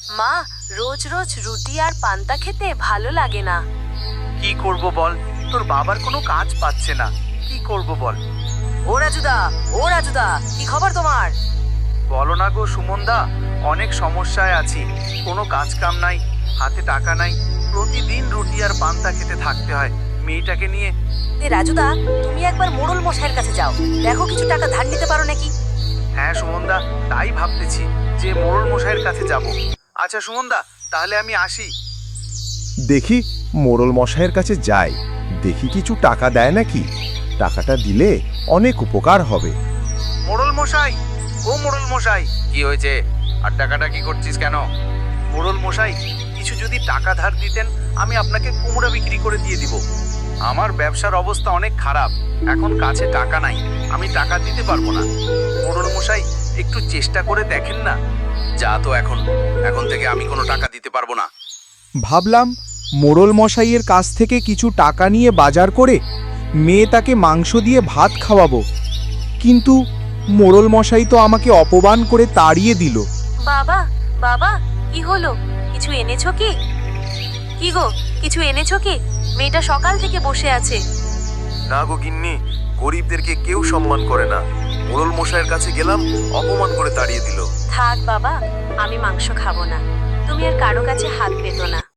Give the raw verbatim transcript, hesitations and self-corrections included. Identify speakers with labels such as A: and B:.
A: মা, রোজ রোজ রুটি আর পান্তা খেতে ভালো লাগে না।
B: কি করব বল, তোর বাবার কোনো কাজ পাচ্ছে না, কি করব বল।
A: ও রাজুদা, ও রাজুদা, কি খবর তোমার?
B: বলো না গো সুমনদা, অনেক সমস্যায় আছি। কোনো কাজ কাম নাই, হাতে টাকা নাই, প্রতিদিন রুটি আর পান্তা খেতে থাকতে হয় মেয়েটাকে নিয়ে।
A: এ রাজুদা, তুমি একবার মোড়ল মশাইয়ের কাছে যাও, দেখো কিছু টাকা ধার নিতে পারো নাকি।
B: হ্যাঁ সুমনদা, তাই ভাবতেছি যে মোড়ল মশাইয়ের কাছে যাব। আচ্ছা সুমনদা, তাহলে আমি আসি।
C: দেখি মোড়ল মশাইয়ের কাছে যাই, দেখি কিছু টাকা দেয় নাকি। টাকাটা দিলে অনেক উপকার হবে।
B: মোড়ল মশাই, ও মোড়ল মশাই, কি হয়েছে? আর টাকাটা কি করছিস কেন? মোড়ল মশাই, কিছু যদি টাকা ধার দিতেন, আমি আপনাকে কুমড়া বিক্রি করে দিয়ে দিব। আমার ব্যবসার অবস্থা অনেক খারাপ, এখন কাছে টাকা নাই, আমি টাকা দিতে পারবো না। মোড়ল মশাই, একটু চেষ্টা করে দেখেন না। যা তো, এখন এখন থেকে আমি কোনো টাকা দিতে পারবো না।
D: ভাবলাম মোড়ল মশাইয়ের কাছ থেকে কিছু টাকা নিয়ে বাজার করে মেয়ে তাকে মাংস দিয়ে ভাত খাওয়াবো, কিন্তু মোড়ল মশাই তো আমাকে অপমান করে তাড়িয়ে দিল।
A: বাবা, বাবা, কি হলো? কিছু এনেছো কি? কি গো, কিছু এনেছো কি? মেয়েটা সকাল থেকে বসে আছে।
C: না গো গিন্নি, গরিবদেরকে কেউ সম্মান করে না। মোড়ল মশাইয়ের কাছে গেলাম, অপমান করে তাড়িয়ে দিল।
A: থাক বাবা, আমি মাংস খাবো না, তুমি আর কারো কাছে হাত পেতো না।